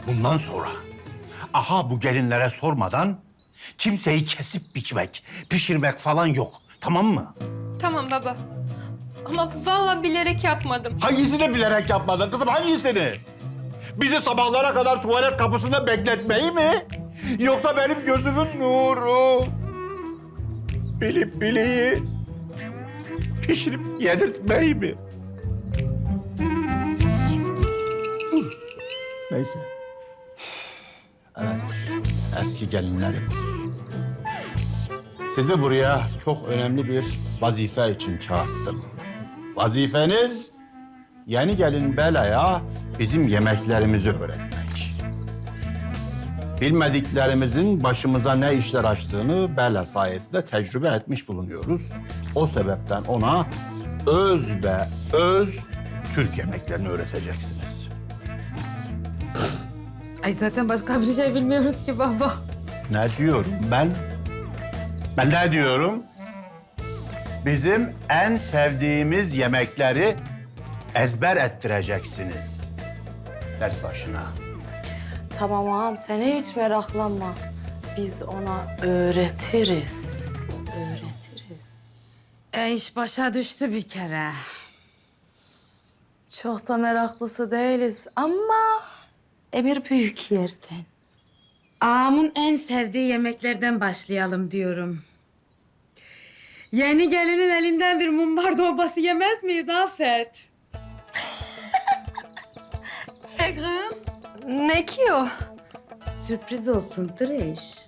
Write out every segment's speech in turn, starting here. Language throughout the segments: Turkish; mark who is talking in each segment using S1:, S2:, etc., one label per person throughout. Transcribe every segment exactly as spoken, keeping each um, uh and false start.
S1: Bundan sonra aha bu gelinlere sormadan kimseyi kesip biçmek, pişirmek falan yok. Tamam mı?
S2: Tamam baba. Ama vallahi bilerek yapmadım.
S1: Hangisini bilerek yapmadın kızım, hangisini? Bizi sabahlara kadar tuvalet kapısında bekletmeyi mi? Yoksa benim gözümün nuru? Bilip bileği pişirip yedirtmeyi mi? Neyse. Evet, eski gelinlerim. Sizi buraya çok önemli bir vazife için çağırttım. Vazifeniz yeni gelin Bela'ya bizim yemeklerimizi öğretmek. Bilmediklerimizin başımıza ne işler açtığını Bela sayesinde tecrübe etmiş bulunuyoruz. O sebepten ona öz be öz Türk yemeklerini öğreteceksiniz.
S3: Ay zaten başka bir şey bilmiyoruz ki baba.
S1: Ne diyorum ben? Ben ne diyorum? Bizim en sevdiğimiz yemekleri ezber ettireceksiniz. Ders başına.
S4: Tamam ağam, sen hiç meraklanma. Biz ona öğretiriz. Öğretiriz.
S3: E iş başa düştü bir kere.
S4: Çok da meraklısı değiliz ama emir büyük yerden.
S3: Ağamın en sevdiği yemeklerden başlayalım diyorum. Yeni gelinin elinden bir mumbar dolması yemez miyiz Afet?
S4: E kız?
S2: Ne ki o?
S3: Sürpriz olsun Trish.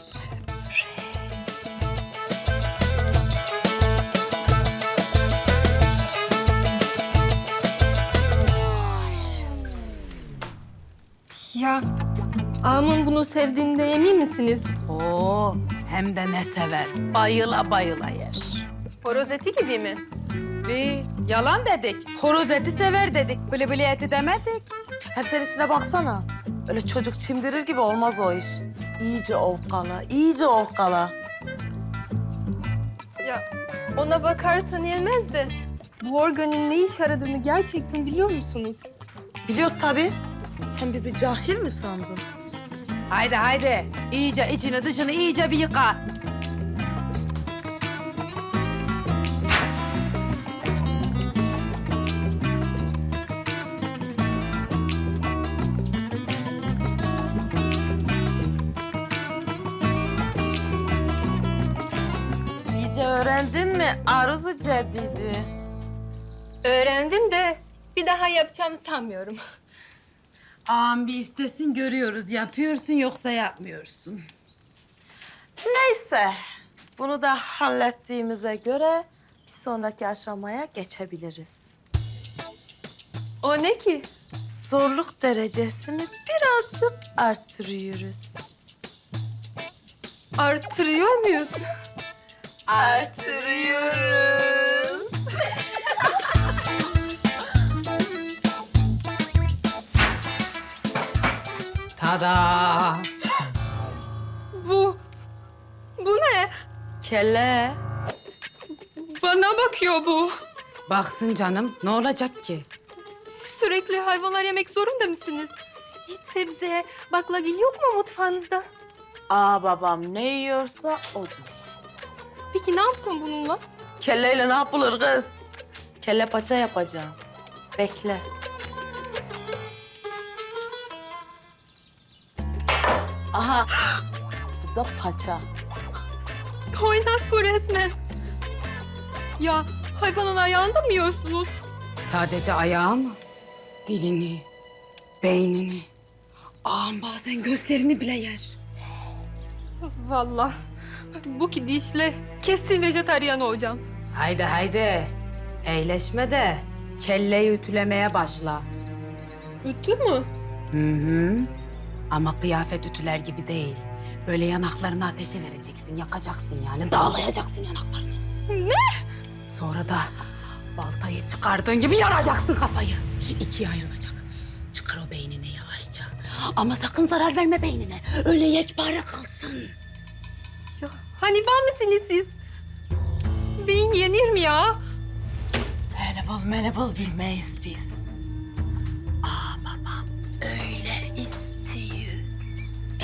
S2: Ya ağamın bunu sevdiğinde emin misiniz?
S3: Oo, hem de ne sever. Bayıla bayıla yer.
S2: Horoz eti gibi mi?
S3: Bir yalan dedik. Horoz eti sever dedik. Bili bili eti demedik.
S4: Hem sen işine baksana. Öyle çocuk çimdirir gibi olmaz o iş. İyice ovkala, iyice ovkala.
S2: Ya ona bakarsan yemez de bu organın ne iş aradığını gerçekten biliyor musunuz?
S4: Biliyoruz tabii. Sen bizi cahil mi sandın?
S3: Haydi haydi. İyice içini dışını iyice bir yıka.
S4: İyice öğrendin mi Arzu Cedidi?
S2: Öğrendim de bir daha yapacağımı sanmıyorum.
S3: Ağam bir istesin görüyoruz. Yapıyorsun yoksa yapmıyorsun.
S4: Neyse, bunu da hallettiğimize göre bir sonraki aşamaya geçebiliriz.
S2: O ne ki?
S4: Zorluk derecesini birazcık artırıyoruz.
S2: Artırıyor muyuz?
S4: Artırıyoruz.
S3: Tada!
S2: Bu, bu ne?
S4: Kelle.
S2: Bana bakıyor bu.
S3: Baksın canım. Ne olacak ki?
S2: Sürekli hayvanlar yemek zorunda mısınız? Hiç sebze, baklagil yok mu mutfağınızda?
S4: Aa babam ne yiyorsa odur.
S2: Peki ne yapacağım bununla?
S4: Kelleyle ne yapılır kız? Kelle paça yapacağım. Bekle. Aha. Bu da paça.
S2: Toynak bu resmen. Ya hayvanın ayağında mı yiyorsunuz?
S3: Sadece ayağı mı? Dilini, beynini. Ağam bazen gözlerini bile yer.
S2: Vallahi bu gidişle kesin vejetaryen olacağım.
S3: Haydi haydi. Eğleşme de kelleyi ütülemeye başla.
S2: Ütü mü?
S3: Hı hı. Ama kıyafet ütüler gibi değil. Böyle yanaklarını ateşe vereceksin, yakacaksın yani. Dağlayacaksın yanaklarını.
S2: Ne?
S3: Sonra da baltayı çıkardığın gibi yaracaksın kafayı. İkiye ayrılacak. Çıkar o beynini yavaşça. Ama sakın zarar verme beynine. Öyle yekpare kalsın.
S2: Ya, hani ben misiniz siz? Beyin yenir mi ya?
S4: Menebol menebol bilmeyiz biz. Aa babam öyle istiyor.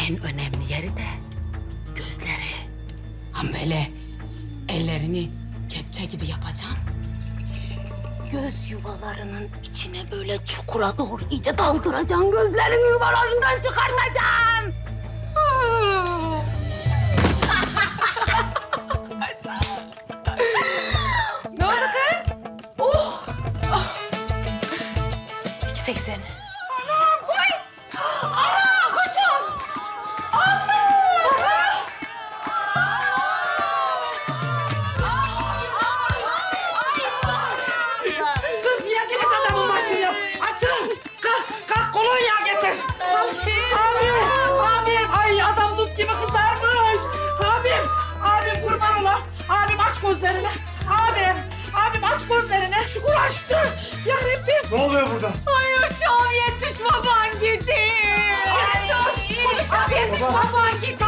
S3: en önemli yeri de gözleri. Ham böyle ellerini kepçe gibi yapacaksın. Göz yuvalarının içine böyle çukura doğru iyice daldıracaksın. Gözlerin yuvalarından çıkartacaksın.
S2: Ne oldu kız?
S3: Oh! iki seksen.
S5: Kız niye kilit adamın başını? Açın! Kalk, kalk kolonya getir. Abim, abim. Ay adam dut gibi kızarmış. Abim, abim kurban ola. Abim aç gözlerini. Abim, abim aç gözlerini. Şükür açtı. Ya Rabbim.
S1: Ne oluyor burada?
S2: Ay uşağım yetiş baban gitti. Uşağım yetiş baban gitti.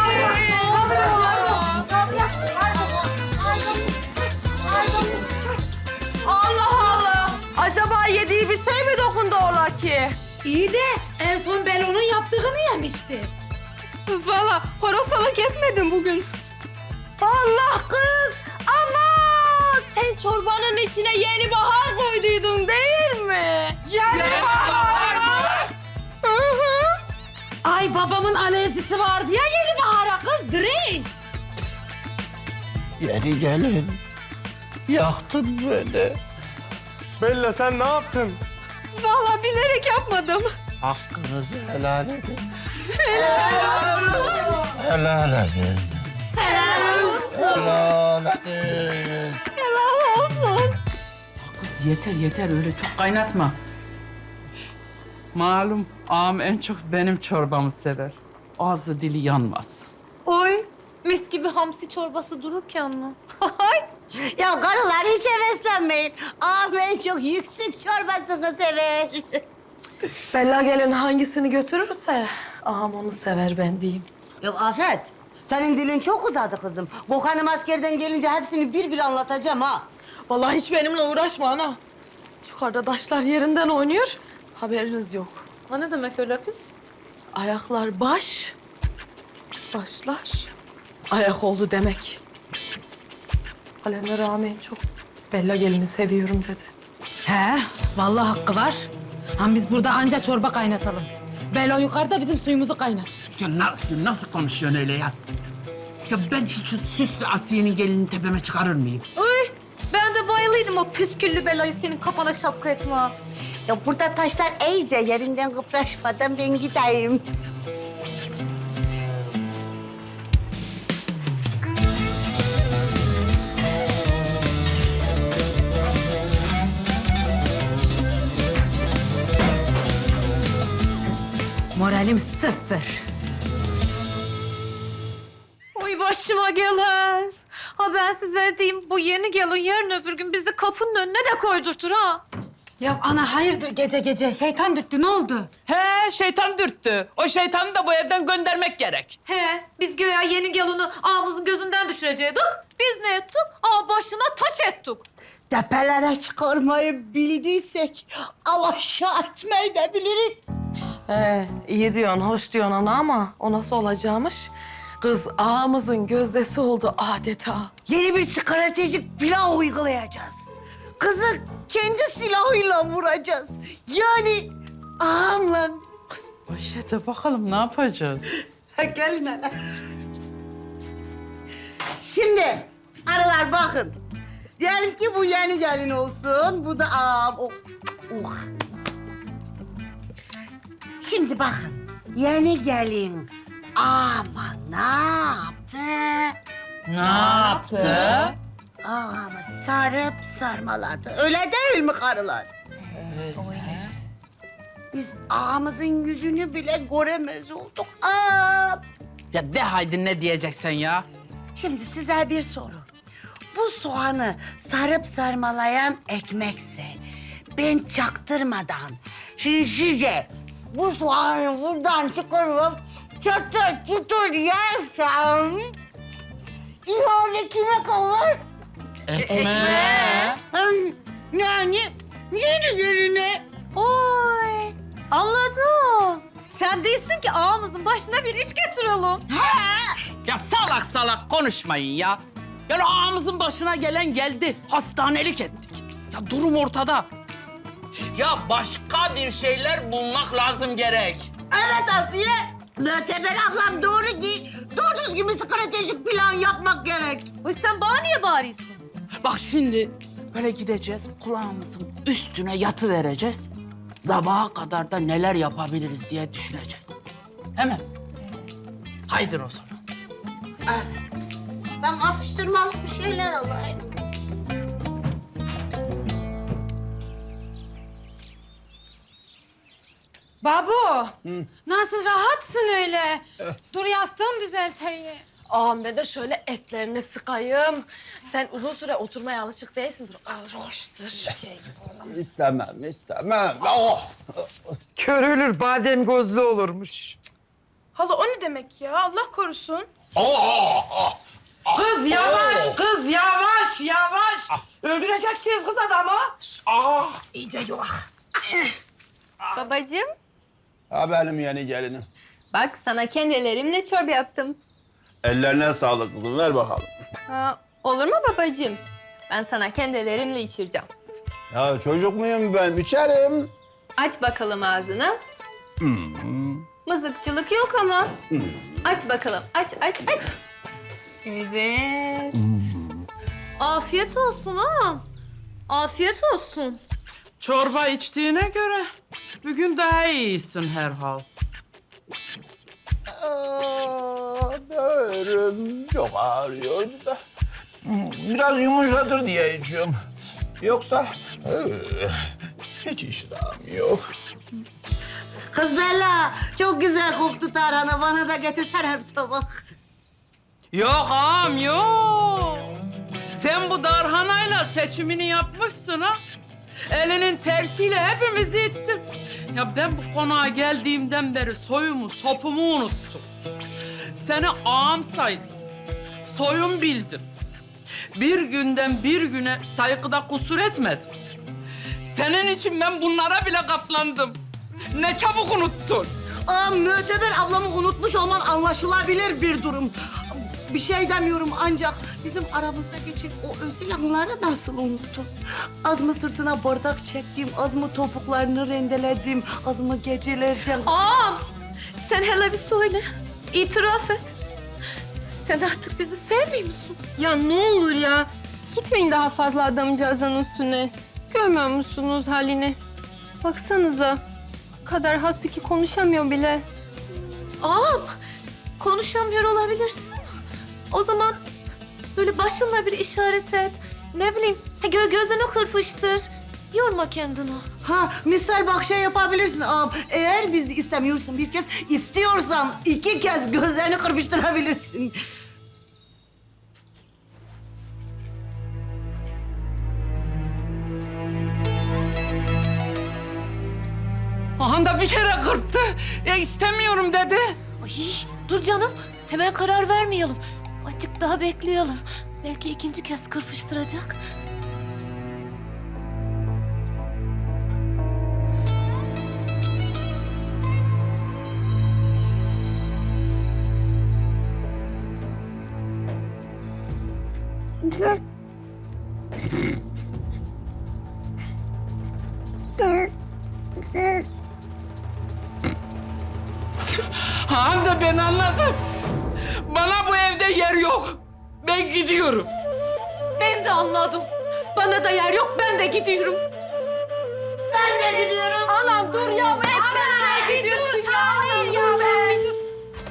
S4: Allah Allah. Acaba yediği bir şey mi dokundu ola ki?
S3: İyi de en son Belo'nun yaptığını yemişti.
S2: Valla horoz falan kesmedim bugün.
S4: Allah kız. Ama sen çorbanın içine yeni bahar koyduydun değil mi?
S5: Yani bahar.
S2: Hı hı.
S3: Ay babamın alerjisi vardı ya yeni bahara kız. Driş.
S1: Yeni gelin. Yaktın beni.
S6: Bella sen ne yaptın?
S2: Valla bilerek yapmadım.
S1: Hakkınızı helal edin. Helal edin. Helal edin.
S2: Helal olsun.
S5: Kız yeter yeter öyle çok kaynatma. Malum ağam en çok benim çorbamı sever. Ağzı dili yanmaz.
S2: Oy mis gibi hamsi çorbası dururken mi? Hayt.
S7: Ya karılar hiç heveslenmeyin. Ağam en çok yüksek çorbasını sever.
S4: Bella gelin hangisini götürürse ağam onu sever ben diyeyim.
S7: Ya Afet, senin dilin çok uzadı kızım. Gökhan'ım askerden gelince hepsini bir bir anlatacağım ha.
S4: Vallahi hiç benimle uğraşma ana. Yukarıda taşlar yerinden oynuyor. Haberiniz yok.
S2: O ne demek öyle kız?
S4: Ayaklar baş, başlar ayak oldu demek. Kalender ağam en çok Bella gelini seviyorum dedi.
S3: He, vallahi hakkı var. Ama biz burada anca çorba kaynatalım. Belo yukarıda bizim suyumuzu kaynatıyor.
S5: Ya nasıl, nasıl konuşuyorsun öyle ya? Ya ben hiç şu süslü Asiye'nin gelini tepeme çıkarır mıyım?
S2: Oy ben de bayılıydım o püsküllü belayı senin kafana şapka etme.
S7: Ya burada taşlar iyice yerinden kıpraşmadan ben gideyim.
S3: Moralim sıfır.
S2: Oy başıma gelen. Ha ben size diyeyim bu yeni gelin yarın öbür gün bizi kapının önüne de koydurtur ha.
S3: Ya ana hayırdır gece gece? Şeytan dürttü ne oldu?
S5: He, şeytan dürttü. O şeytanı da bu evden göndermek gerek.
S2: He biz göya yeni gelini ağamızın gözünden düşürecektik. Biz ne ettik? Ağa başına taç ettik.
S7: Tepelere çıkarmayı bildiysek alaşağı etmeyi de biliriz.
S4: Ee, iyi diyorsun, hoş diyorsun ana ama o nasıl olacakmış? Kız ağamızın gözdesi oldu adeta.
S7: Yeni bir stratejik plan uygulayacağız. Kızı kendi silahıyla vuracağız. Yani ağamla.
S5: Ayşe de bakalım ne yapacağız?
S7: Ha, gelin hele. Şimdi arılar bakın. Diyelim ki bu yeni gelin olsun. Bu da ağam. Oh. Oh. Şimdi bakın. Yeni gelin ama ne yaptı?
S5: Ne yaptı?
S7: Ağamı sarıp sarmaladı. Öyle değil mi karılar? Biz ağamızın yüzünü bile göremez olduk. Aa,
S5: Ya de haydi ne diyeceksin ya?
S7: şimdi size bir soru. Bu soğanı sarıp sarmalayan ekmekse ben çaktırmadan şimdi size bu soğanı buradan çıkarıp çatır çutur yersem ihale kime kalır?
S5: Ekmeğe.
S7: Ay, yani yeni geline.
S2: Oy anladım. Sen değilsin ki ağamızın başına bir iş getirelim.
S5: Ya salak salak konuşmayın ya. Yani ağamızın başına gelen geldi. Hastanelik ettik. Ya durum ortada. Ya başka bir şeyler bulmak lazım gerek.
S7: Evet Asiye. Möteber ablam doğru değil. Doğru düzgün bir stratejik plan yapmak gerek.
S2: Uy sen bana niye bağırıyorsun?
S5: Bak şimdi böyle gideceğiz, kulağımızın üstüne yatı vereceğiz. Sabaha kadar da neler yapabiliriz diye düşüneceğiz. Hemen. Haydi o zaman.
S7: Evet. Ben atıştırmalık bir şeyler alayım.
S3: Babu, nasıl rahatsın öyle? Dur yastığım düzelteyim.
S4: Ağam ben de şöyle etlerini sıkayım. Sen uzun süre oturmaya alışık değilsindir. Alıştır. Şey.
S1: İstemem, istemem. Oh!
S8: Körülür badem gözlü olurmuş.
S9: Hala o ne demek ya? Allah korusun.
S1: Oh!
S5: Kız yavaş, kız yavaş, yavaş. Öldüreceksiniz kız adamı.
S3: İyice yok.
S10: Babacığım,
S1: Ha benim yeni gelinim.
S10: bak sana kendi ellerimle çorba yaptım.
S1: Ellerine sağlık kızım, ver bakalım.
S10: Ha, olur mu babacığım? Ben sana kendi ellerimle içireceğim.
S1: Ya çocuk muyum ben? İçerim.
S10: Aç bakalım ağzını. Mızıkçılık yok ama. Aç bakalım, aç, aç, aç. Evet.
S2: Afiyet olsun ağam. Afiyet olsun.
S5: Çorba içtiğine göre bugün daha iyisin herhal.
S1: Aa, böğrüm çok ağrıyor da. Biraz yumuşatır diye içiyorum. Yoksa eh, hiç iştahım yok.
S7: Kız Bella, çok güzel koktu tarhana. Bana da getirsene bir tabak.
S5: Yok ağam yok. Sen bu darhanayla seçimini yapmışsın ha. Elinin tersiyle hepimizi ittin. Ya ben bu konağa geldiğimden beri soyumu, sopumu unuttum. Seni ağam saydım. Soyum bildim. Bir günden bir güne saygıda kusur etmedim. Senin için ben bunlara bile katlandım. Ne çabuk unuttun.
S7: Aa, Möteber ablamı unutmuş olman anlaşılabilir bir durum. Bir şey demiyorum ancak bizim aramızda geçen o özel anları nasıl unuttun? Az mı sırtına bardak çektim, az mı topuklarını rendeledim, az mı gecelerce...
S2: Ağam sen hele bir söyle. İtiraf et. Sen artık bizi sevmiyor musun?
S10: Ya ne olur ya. Gitmeyin daha fazla adamcağızın üstüne. Görmüyor musunuz halini? Baksanıza. O kadar hasta ki konuşamıyor bile.
S2: Ağam konuşamıyor olabilirsin. O zaman böyle başınla bir işaret et. Ne bileyim gö gözünü kırpıştır. Yorma kendini.
S7: Ha, misal bak şey yapabilirsin ağam. Eğer bizi istemiyorsan bir kez, istiyorsan iki kez gözlerini kırpıştırabilirsin.
S5: Ahan da bir kere kırptı. Ya istemiyorum dedi.
S2: Ay, dur canım. Hemen karar vermeyelim. Azıcık daha bekleyelim. Belki ikinci kez kırpıştıracak.
S5: Han da ben anladım. Bana bu evde yer yok. Ben gidiyorum.
S2: Ben de anladım. Bana da yer yok, ben de gidiyorum.
S7: Ben de gidiyorum.
S2: Anam dur ya, etme.
S3: Bir dur saniye ya ben. Bir dur.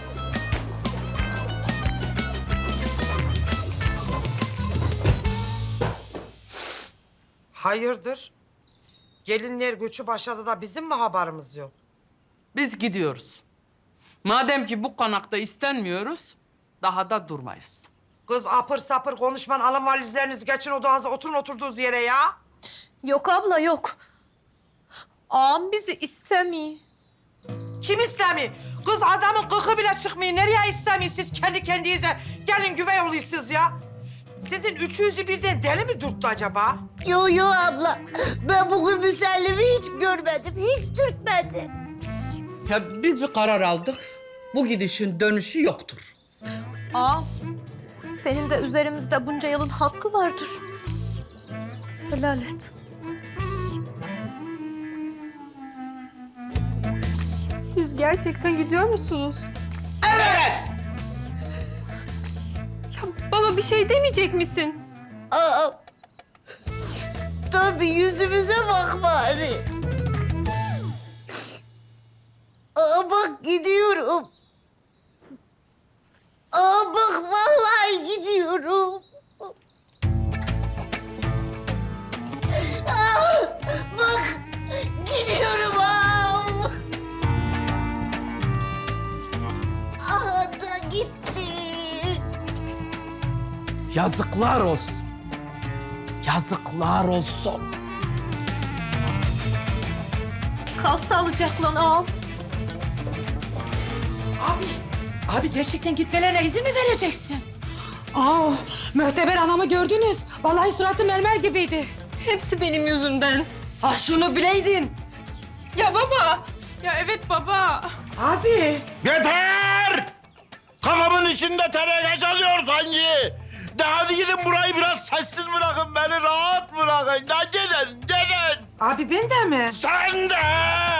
S8: Hayırdır? Gelinler göçü başladı da bizim mi haberimiz yok?
S5: Biz gidiyoruz. Madem ki bu konakta istenmiyoruz, daha da durmayız.
S8: Kız apır sapır konuşman, alın valizlerinizi geçin odanıza, oturun oturduğunuz yere ya.
S2: Yok abla, yok. Ağam bizi istemiyor.
S8: Kim istemiyor? Kız adamın kıkı bile çıkmıyor. Nereye istemiyor siz kendi kendinize? Gelin güvey oluyorsunuz ya. Sizin üçünüzü birden deli mi dürttü acaba?
S7: Yo yo abla, ben bugün müsellimi hiç görmedim, hiç dürtmedi.
S5: Ya biz bir karar aldık. Bu gidişin dönüşü yoktur.
S2: Ağam, senin de üzerimizde bunca yılın hakkı vardır. Helal et.
S10: Siz gerçekten gidiyor musunuz?
S5: Evet.
S10: Ya baba bir şey demeyecek misin?
S7: Aa, tabii yüzümüze bak bari. Aa, bak gidiyorum. Aa, bak vallahi gidiyorum. Aa, bak gidiyorum ağam. Aha da gitti.
S5: Yazıklar olsun. Yazıklar olsun.
S2: Kal sağlıcakla ağam.
S8: Abi, abi gerçekten gitmelerine izin mi vereceksin?
S3: Aa, Möhteber anamı gördünüz. Vallahi suratı mermer gibiydi.
S10: Hepsi benim yüzümden.
S5: Ah şunu bileydin.
S10: Ya baba. Ya evet baba.
S8: Abi.
S1: Yeter! Kafamın içinde teneke çalıyor sanki. De hadi gidin burayı biraz sessiz bırakın, beni rahat bırakın. Da gelin, gelin.
S8: Abi ben de mi?
S1: Sen de!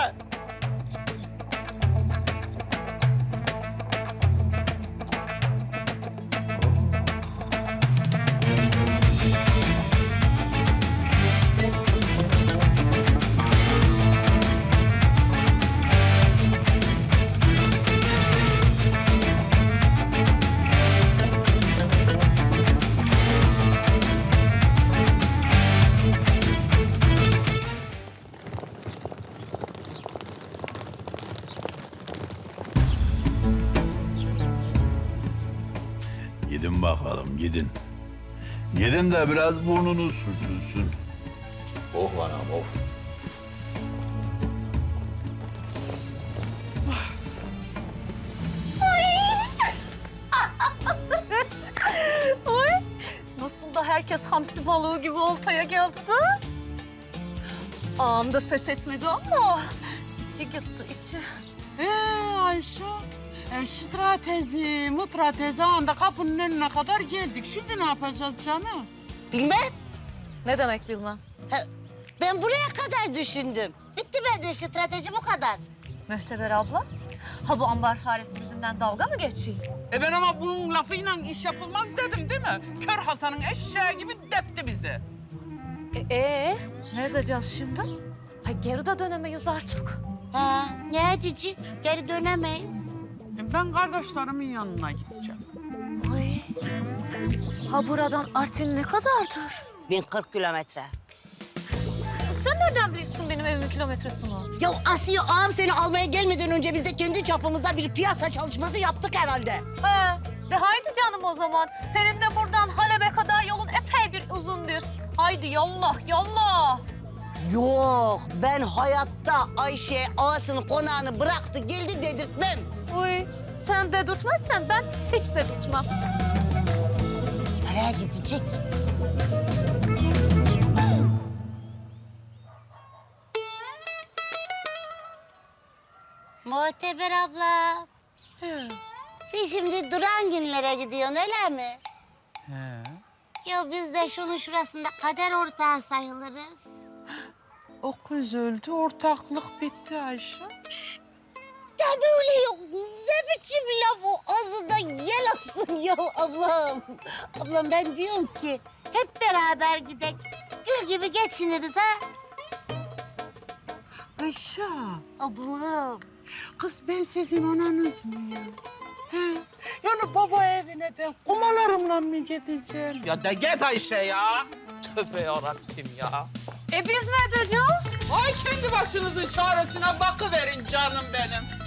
S1: Gidin bakalım, gidin. Gidin de biraz burnunuz sürtülsün. Oh anam, of.
S2: Oy, nasıl da herkes hamsi balığı gibi oltaya geldi de. Ağam da ses etmedi ama içi gitti, içi.
S5: Ee Ayşe, e, stratezi, mutratezi anda kapının önüne kadar geldik. Şimdi ne yapacağız canım?
S7: Bilmem.
S2: Ne demek bilmem.
S7: Ben buraya kadar düşündüm. Bitti bende strateji bu kadar.
S2: Mühteber abla, ha bu ambar faresi bizimle dalga mı geçiyor?
S5: E ben ama bunun lafıyla iş yapılmaz dedim değil mi? Kör Hasan'ın eşeği gibi depti bizi.
S2: E, ee, ne edeceğiz şimdi? Ha, geri de dönemeyiz artık.
S7: Ha, ne edecek? Geri dönemeyiz.
S5: E ben kardeşlerimin yanına gideceğim.
S2: Ay. Ha buradan Artvin ne kadardır?
S7: bin kırk kilometre.
S2: Sen nereden biliyorsun benim evimin kilometresini?
S7: Ya Asiye ağam seni almaya gelmeden önce biz de kendi çapımızda bir piyasa çalışması yaptık herhalde.
S2: He, de haydi canım o zaman. Senin de buradan Halep'e kadar yolun epey bir uzundur. Haydi yallah, yallah.
S7: Yok, ben hayatta Ayşe ağasının konağını bıraktı geldi dedirtmem.
S2: Uy, sen dedirtmezsen ben hiç dedirtmem.
S7: Nereye gidecek? Muhteber abla. Sen şimdi Durangınlara gidiyorsun öyle mi?
S5: He.
S7: Ya biz de şunun şurasında kader ortağı sayılırız.
S5: O kız öldü, ortaklık bitti Ayşe.
S7: Ya böyle yok. Ne biçim laf o? Ağzından yel alsın ya ablam. Ablam ben diyorum ki hep beraber gidek. Gül gibi geçiniriz ha.
S5: Ayşe,
S7: Ablam.
S5: kız ben sizin ananız mıyım? He? Yani baba evine ben kumalarımla mı gideceğim? Ya da git Ayşe ya. Tövbe yarabbim ya.
S2: E biz ne edeceğiz?
S5: Ay kendi başınızın çaresine bakıverin canım benim.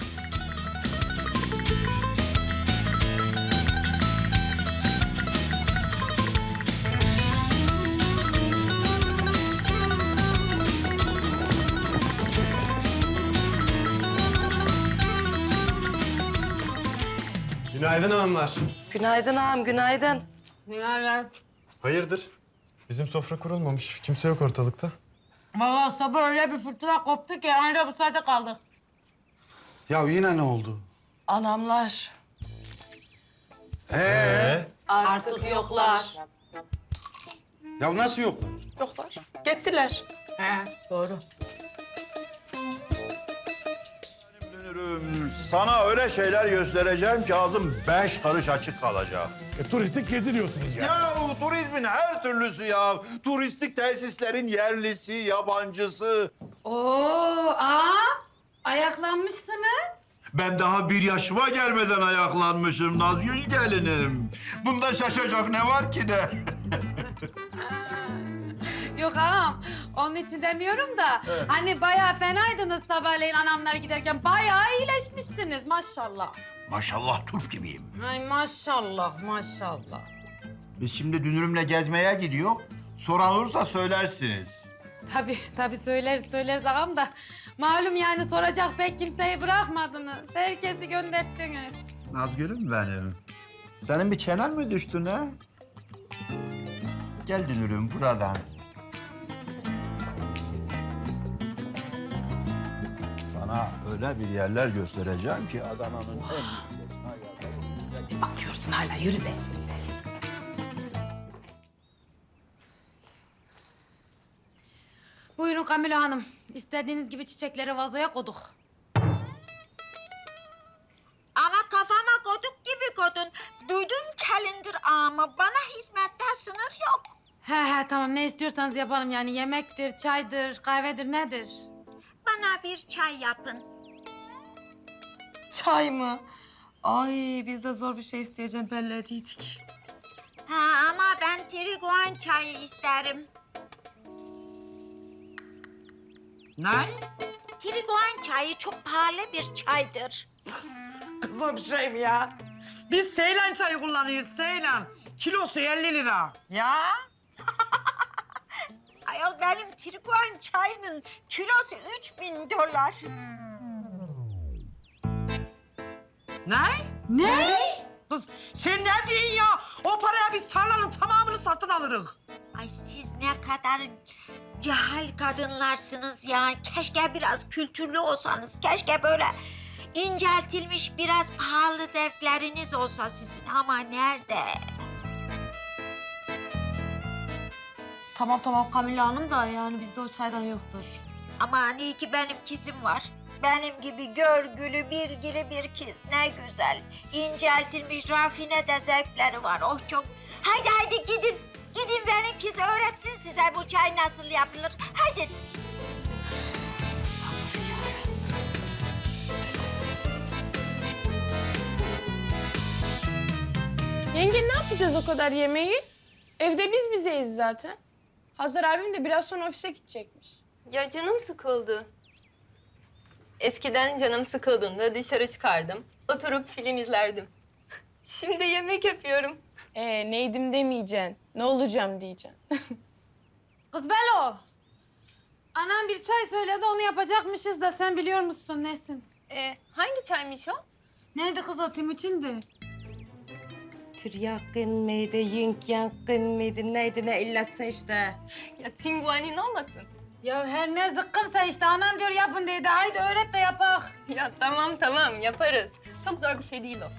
S6: Günaydın hanımlar.
S4: Günaydın ağam, günaydın.
S6: Hayırdır? Bizim sofra kurulmamış. Kimse yok ortalıkta.
S3: Vallahi sabah öyle bir fırtına koptu ki anca bu saate kaldık.
S6: Ya yine ne oldu?
S4: Anamlar
S6: Ee?
S4: artık yoklar.
S6: Ya nasıl yoklar?
S4: Yoklar. Gittiler.
S8: He, doğru.
S1: Dönürüm. Sana öyle şeyler göstereceğim ki ağzım beş karış açık kalacak.
S11: E, turistik gezi diyorsunuz yani.
S1: Ya turizmin her türlüsü ya. Turistik tesislerin yerlisi, yabancısı.
S3: Oo, aa, ayaklanmışsınız.
S1: Ben daha bir yaşıma gelmeden ayaklanmışım Nazgül gelinim. Bunda şaşacak ne var ki ne?
S3: Yok ağam, onun için demiyorum da hani bayağı fenaydınız sabahleyin anamlar giderken. Bayağı iyileşmişsiniz maşallah.
S1: Maşallah turp gibiyim.
S3: Ay maşallah, maşallah.
S1: Biz şimdi dünürümle gezmeye gidiyor. Soran olursa söylersiniz.
S3: Tabii, tabii söyleriz, söyleriz ağam da. Malum yani soracak pek kimseyi bırakmadınız. Herkesi gönderttiniz.
S1: Nazgül'üm benim. Senin bir çenen mi düştü ne? Gel dünürüm buradan. Sana öyle bir yerler göstereceğim ki Adana'nın en...
S3: Bakıyorsun hala, yürü be. Buyurun Kamila Hanım. İstediğiniz gibi çiçekleri vazoya koyduk.
S12: Ama kafama koduk gibi kodun. Duydun Kalender ağamı. Bana hizmette sınır yok.
S3: He he tamam ne istiyorsanız yapalım yani yemektir, çaydır, kahvedir nedir?
S12: Bana bir çay yapın.
S4: Çay mı? Ay biz de zor bir şey isteyeceğim belli ediydik.
S12: Ha ama ben triguan çayı isterim.
S8: Ne?
S12: Triguan çayı çok pahalı bir çaydır.
S8: Kız o bir şey mi ya? Biz Seylan çayı kullanıyoruz, Seylan. Kilosu elli lira. Ya?
S12: Ayol benim triguan çayının kilosu üç bin dolar.
S8: Ne? Ne? Kız sen ne diyorsun ya? O paraya biz tarlanın tamamını satın alırız.
S12: Ay siz ne kadar cahil kadınlarsınız ya. Keşke biraz kültürlü olsanız. Keşke böyle inceltilmiş biraz pahalı zevkleriniz olsa sizin. Ama nerede?
S4: Tamam tamam Kamila Hanım da yani bizde o çaydan yoktur.
S12: Aman iyi ki benim kızım var. Benim gibi görgülü, bilgili bir kız. Ne güzel. İnceltilmiş, rafine de zevkleri var. Oh çok. Haydi haydi gidin. Gidin benim kız öğretsin size bu çay nasıl yapılır. Haydi.
S9: Yenge ne yapacağız o kadar yemeği? Evde biz bizeyiz zaten. Hazar abim de biraz sonra ofise gidecekmiş.
S10: Ya canım sıkıldı. Eskiden canım sıkıldığında dışarı çıkardım. Oturup film izlerdim. Şimdi yemek yapıyorum.
S9: Ee neydim demeyeceksin. Ne olacağım diyeceksin.
S3: Kız Belo. Anam bir çay söyledi onu yapacakmışız da sen biliyor musun nesin?
S10: Ee, hangi çaymış o?
S3: Neydi kız o Timuçin'di?
S4: Tiryakın mıydı, yink yankın mıydı, neydi ne illatsa işte.
S10: Ya tinguanin olmasın?
S3: Ya her ne zıkkımsa işte anan diyor yapın dedi. Haydi öğret de yapak.
S10: Ya tamam tamam yaparız. Çok zor bir şey değil o.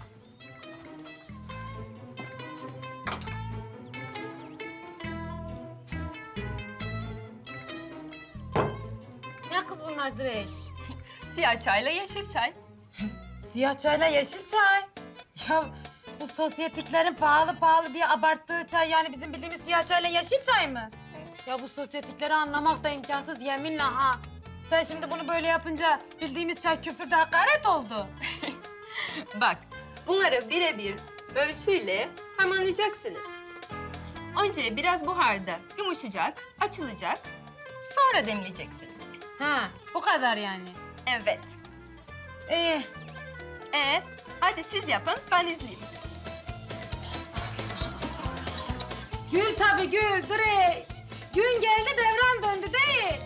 S3: Ne kız bunlar direş?
S10: Siyah çayla yeşil çay.
S3: Siyah çayla yeşil çay. Ya bu sosyetiklerin pahalı pahalı diye abarttığı çay yani bizim bildiğimiz siyah çayla yeşil çay mı? Ya bu sosyetikleri anlamak da imkansız yeminle ha. Sen şimdi bunu böyle yapınca bildiğimiz çay küfürde hakaret oldu.
S10: Bak bunları birebir ölçüyle harmanlayacaksınız. Önce biraz buharda yumuşayacak, açılacak. Sonra demleyeceksiniz.
S3: Ha bu kadar yani.
S10: Evet.
S3: İyi.
S10: Ee, hadi siz yapın, ben izleyeyim.
S3: Gül tabii gül direş. Gün geldi devran döndü değil.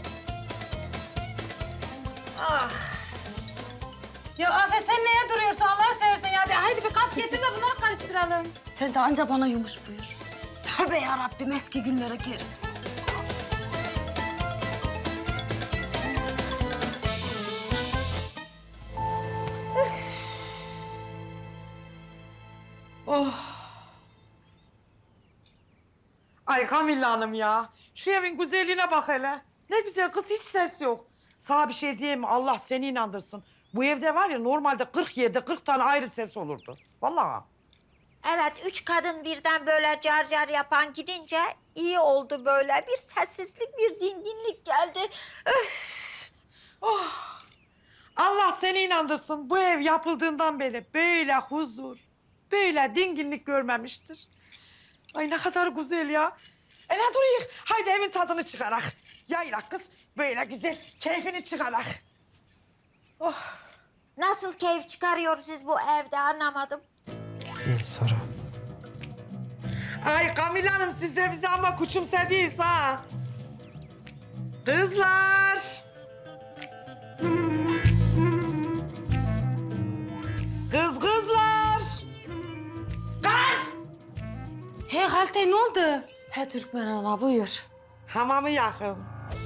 S3: Ah. Ya Afet sen neye duruyorsun Allah'ını seversen ya. De, haydi bir kap getir de bunları karıştıralım.
S4: Sen de anca bana yumuş buyur. Tövbe yarabbim eski günlere geri.
S8: Oh. Ay Kamilla Hanım ya. Şu evin güzelliğine bak hele. Ne güzel kız, hiç ses yok. Sana bir şey diyeyim mi? Allah seni inandırsın. Bu evde var ya normalde kırk yerde kırk tane ayrı ses olurdu. Vallahi.
S12: Evet, üç kadın birden böyle car car yapan gidince iyi oldu böyle. Bir sessizlik, bir dinginlik geldi. Öf.
S8: Oh. Allah seni inandırsın. Bu ev yapıldığından beri böyle huzur, böyle dinginlik görmemiştir. Ay ne kadar güzel ya. E ne duruyuk? Haydi evin tadını çıkarak. Yayrak kız, böyle güzel keyfini çıkarak. Oh.
S12: Nasıl keyif çıkarıyoruz siz bu evde, anlamadım.
S8: Güzel soru. Ay Kamil Hanım, siz de bizi ama küçümsediniz ha. Kızlar. Kız kızlar. Kız.
S3: He Halte ne oldu?
S4: He Türkmen ana buyur.
S8: Hamamı yakın.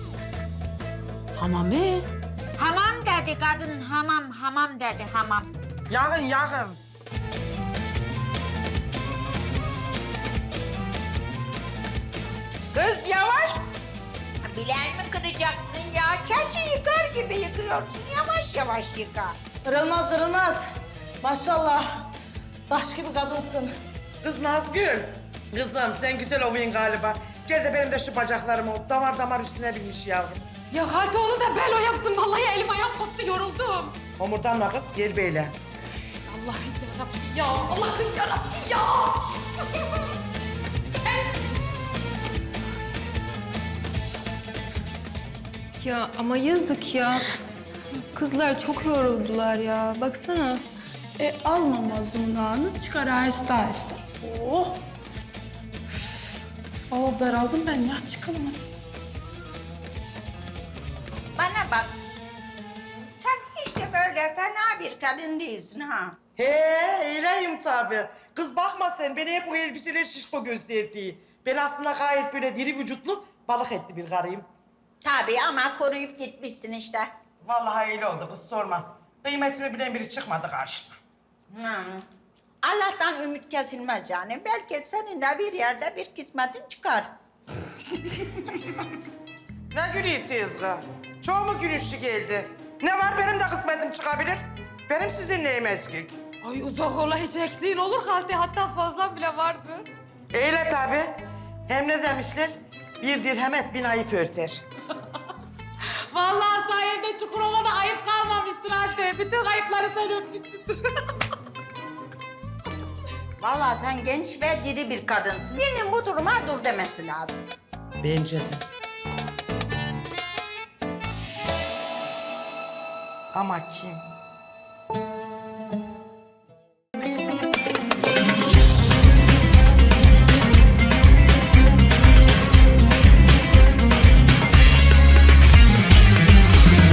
S3: Hamami.
S12: Hamam dedi kadın, hamam, hamam dedi, hamam.
S8: Yakın yakın.
S12: Kız yavaş. Bileğimi kıracaksın ya. Keçi yıkar gibi yıkıyorsun. Yavaş yavaş yıka.
S4: Kırılmaz kırılmaz. Maşallah. Taş gibi kadınsın.
S8: Kız Nazgül. Kızım sen güzel ovuyun galiba. Gel de benim de şu bacaklarımı damar damar üstüne binmiş yavrum.
S3: Ya Halte onu da belo yapsın. Vallahi elim ayağım koptu, yoruldum.
S8: Homurdanma kız, gel böyle.
S3: Allah'ım yarabbim ya. Allah'ım yarabbim ya.
S10: Ya ama yazık ya. Kızlar çok yoruldular ya. Baksana.
S9: E alma mazlumluğunu, çıkar aheste aheste. Oh. Valla daraldım ben ya. Çıkalım hadi.
S12: Bana bak. Sen hiç de böyle fena bir kadın değilsin ha.
S8: He, öyleyim tabii. Kız bakma sen, beni hep o elbiseler şişko gösterdi. Ben aslında gayet böyle diri vücutlu, balık etli bir karıyım.
S12: Tabii ama koruyup gitmişsin işte.
S8: Vallahi öyle oldu kız, sorma. Kıymetimi bilen biri çıkmadı karşıma.
S12: Hı. Allah'tan ümit kesilmez yani. Belki seninle bir yerde bir kısmetin çıkar.
S8: Ne gülüyorsunuz kız? Çok mu gülüşlü geldi? Ne var, benim de kısmetim çıkabilir. Benim sizin neyim eskik?
S3: Ay uzak ola, hiç eksiğin olur Halte. Hatta fazla bile vardı.
S8: Öyle tabii. Hem ne demişler? Bir dirhem et bin ayıp örter.
S3: Vallahi sayende Çukurova'da ayıp kalmamıştır Halte. Bütün ayıpları sen öpmüşsündür.
S12: Vallahi sen genç ve diri bir kadınsın. Birinin bu duruma dur demesi lazım.
S8: Bence de. Ama kim?